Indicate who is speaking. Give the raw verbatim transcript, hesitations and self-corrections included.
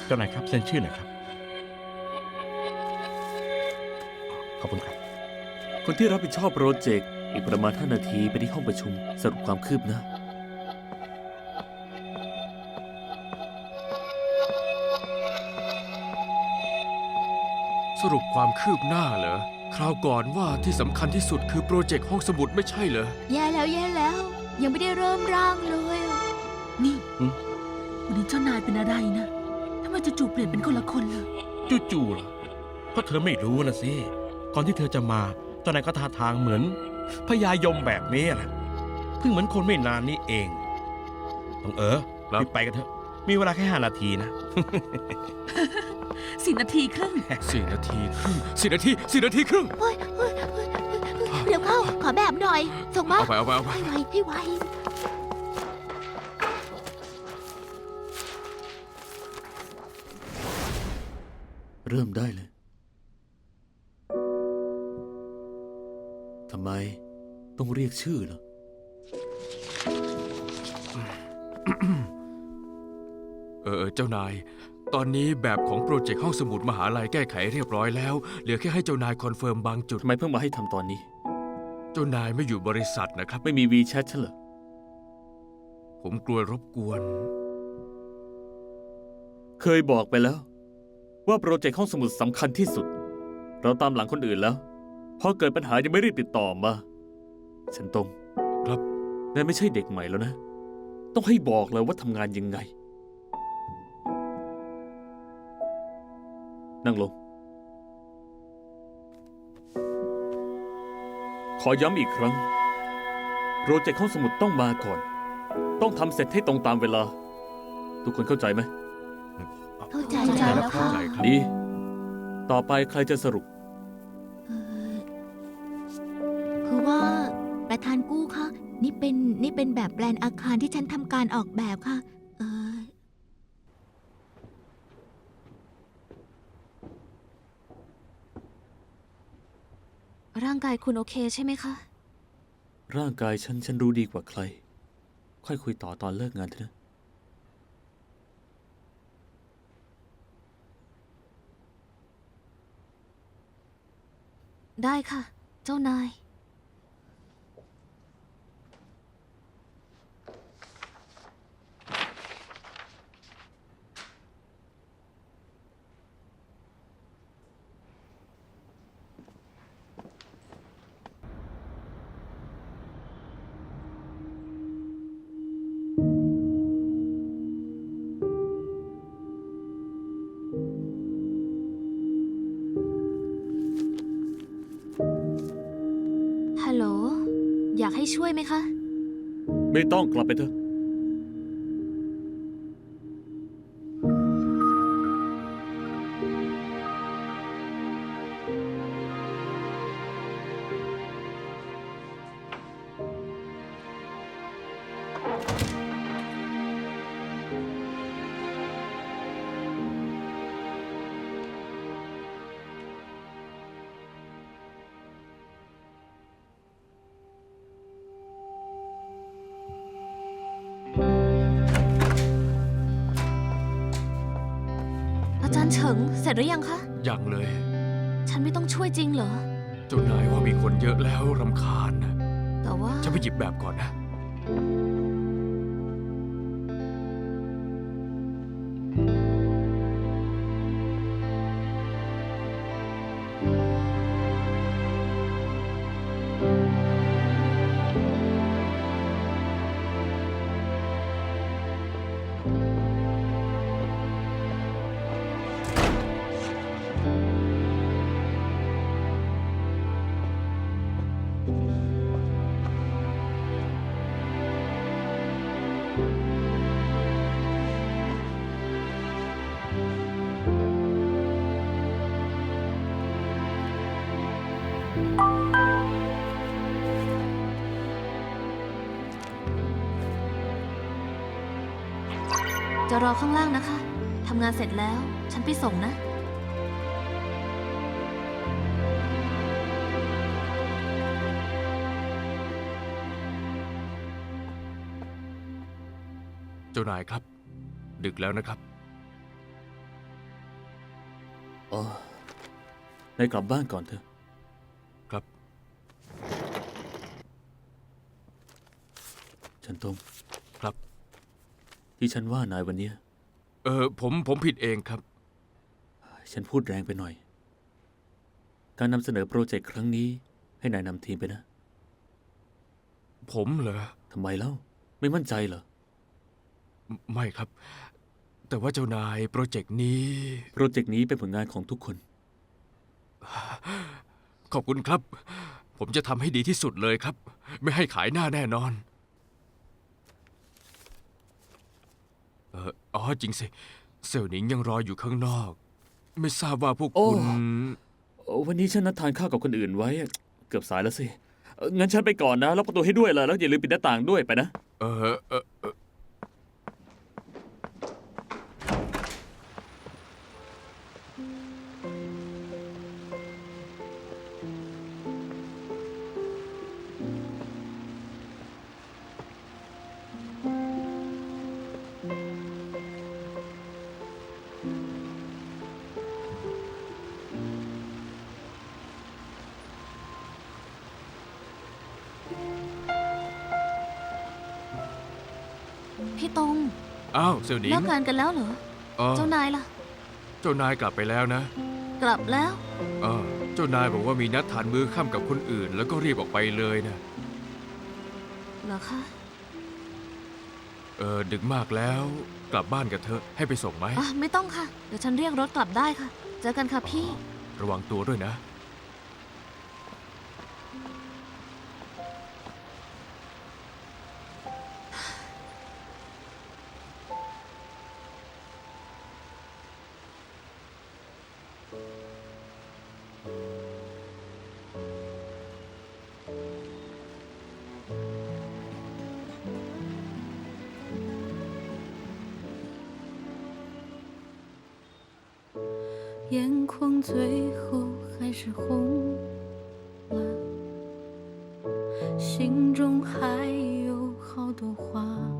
Speaker 1: เจ้านายครับเซ็นชื่อหน่อยครับขอบคุณครับ
Speaker 2: คนที่รับผิดชอบโปรเจกต์อีกประมาณห้านาทีไปที่ห้องประชุมสรุปความคืบหน้า
Speaker 3: สรุปความคืบหน้าเหรอคราวก่อนว่าที่สำคัญที่สุดคือโปรเจกต์ห้องสมุดไม่ใช่เหรอ
Speaker 4: แย่แล้วแย่แล้ว ยังไม่ได้เริ่มร่างเลยอะ
Speaker 5: นี่
Speaker 2: หืม
Speaker 5: วันนี้เจ้านายเป็นอะไรนะทำไมจู่ๆเปลี่ยนเป็นคนละคนเลย
Speaker 1: จู่ๆเหรอก็เธอไม่รู้นะสิก่อนที่เธอจะมาเจ้านายก็ท่าทางเหมือนพญายมแบบนี้แหละเพิ่งเหมือนคนไม่นานนี้เองต้องเออ
Speaker 3: ครับ
Speaker 1: รีบไปกันเถอะมีเวลาแค่ห้านาทีนะ
Speaker 5: สี่นาทีครึ่ง
Speaker 3: สี่นาทีครึ่งสี่นาทีสี่นาทีครึ่ง
Speaker 4: เฮ้ยเฮ้ยเฮ้ยเร็วเข้า ขอแบบหน่อย ส่งมา
Speaker 3: เอาไปเอาไปเอาไป
Speaker 4: ให้ไวให้ไว
Speaker 2: เริ่มได้เลย ทำไมต้องเรียกชื่อเหรอ
Speaker 3: เออเออเจ้านาย ตอนนี้แบบของโปรเจกต์ห้องสมุดมหาลัยแก้ไขเรียบร้อยแล้วเหลือแค่ให้เจ้านายคอนเฟิร์มบางจุด
Speaker 2: ทำไมเพิ่งมาให้ทำตอนนี้
Speaker 3: เจ้านายไม่อยู่บริษัทนะครับ
Speaker 2: ไม่มีวีแชทฉันเหรอ
Speaker 3: ผมกลัวรบกวน
Speaker 2: เคยบอกไปแล้ว ว่าโปรเจกต์ห้องสมุดสำคัญที่สุด เราตามหลังคนอื่นแล้ว พอเกิดปัญหายังไม่รีบติดต่อมา ฉันตรง
Speaker 3: ครับ
Speaker 2: นายไม่ใช่เด็กใหม่แล้วนะ ต้องให้บอกเลยว่าทำงานยังไง นั่งลง ขอย้ำอีกครั้ง โปรเจกต์ห้องสมุดต้องมาก่อน ต้องทำเสร็จให้ตรงตามเวลา ทุกคนเข้าใจไหม
Speaker 4: เข้าใจ
Speaker 3: เข้าใจ
Speaker 4: แล้
Speaker 3: แล้ว
Speaker 4: ว
Speaker 3: เข้า
Speaker 4: ค่ะ
Speaker 3: ใจครับ
Speaker 2: ดี ต่อไปใครจะสรุป
Speaker 4: เออคือว่าประธานกู้คะนี่เป็นนี่เป็นแบบแปลนอาคารที่ฉันทำการออกแบบค่ะ เออ
Speaker 6: ร่างกายคุณโอเคใช่ไหมคะ
Speaker 2: ร่างกายฉันฉันรู้ดีกว่าใคร ค่อยคุยต่อตอนเลิกงานเถอะนะ
Speaker 6: ได้ค่ะ เจ้านาย ฮัลโหล อยากให้ช่วยไหมคะ
Speaker 2: ไม่ต้องกลับไปเถอะ
Speaker 6: อาจารย์เฉิง เสร็จหรือยังคะ
Speaker 3: ยังเลย
Speaker 6: ฉันไม่ต้องช่วยจริงเหรอ
Speaker 3: เจ้านายว่ามีคนเยอะแล้วรำคาญนะ
Speaker 6: แต่ว่า
Speaker 3: ฉันไปหยิบแบบก่อนนะ
Speaker 6: จะรอข้างล่างนะคะ ทำงานเสร็จแล้ว ฉันไปส่งนะ
Speaker 3: เจ้านายครับ ดึกแล้วนะครับ
Speaker 2: อ๋อ นายกลับบ้านก่อนเถอะ
Speaker 3: ครับ
Speaker 2: ฉันตง
Speaker 3: ครับ
Speaker 2: ที่ฉันว่านายวันเนี้ย
Speaker 3: เออผมผมผิดเองครับ
Speaker 2: ฉันพูดแรงไปหน่อย การนำเสนอโปรเจกต์ครั้งนี้ ให้นายนำทีมไปนะ
Speaker 3: ผมเหรอ
Speaker 2: ทำไมเล่า ไม่มั่นใจเหรอ
Speaker 3: ไม่ไม่ครับ แต่ว่าเจ้านายโปรเจกต์นี้
Speaker 2: โปรเจกต์นี้เป็นผลงานของทุกคน
Speaker 3: ขอบคุณครับ ผมจะทำให้ดีที่สุดเลยครับ ไม่ให้ขายหน้าแน่นอน เอออ๋อจริงสิ เสี่ยวหนิงยังรออยู่ข้างนอก ไม่ทราบว่าพวก
Speaker 2: โอ้
Speaker 3: คุณ
Speaker 2: วันนี้ฉันนัดทานข้าวกับคนอื่นไว้ เกือบสายแล้วสิเอ่องั้นฉันไปก่อนนะล็อกประตูให้ด้วยล่ะแล้วอย่าลืมปิดหน้าต่างด้วยไปนะ
Speaker 3: เออเออเออ
Speaker 6: พี่ตง
Speaker 3: อ้าวเสี่ยวหนิง
Speaker 6: เลิกงานกันแล้วเหรอ
Speaker 3: เออ
Speaker 6: เจ้านายล่ะ
Speaker 3: เจ้านายกลับไปแล้วนะ
Speaker 6: กลับแล้ว
Speaker 3: เออเจ้านายบอกว่ามีนัดทานมื้อค่ำกับคนอื่น แล้วก็รีบออกไปเลยนะ
Speaker 6: เหรอคะ
Speaker 3: เออดึกมากแล้ว กลับบ้านกันเถอะให้ไปส่งไหม
Speaker 6: อ่ะไม่ต้องค่ะ เดี๋ยวฉันเรียกรถกลับได้ค่ะ เจอกันค่ะพี่
Speaker 3: ระวังตัวด้วยนะ
Speaker 7: 眼眶最后还是红了，心中还有好多话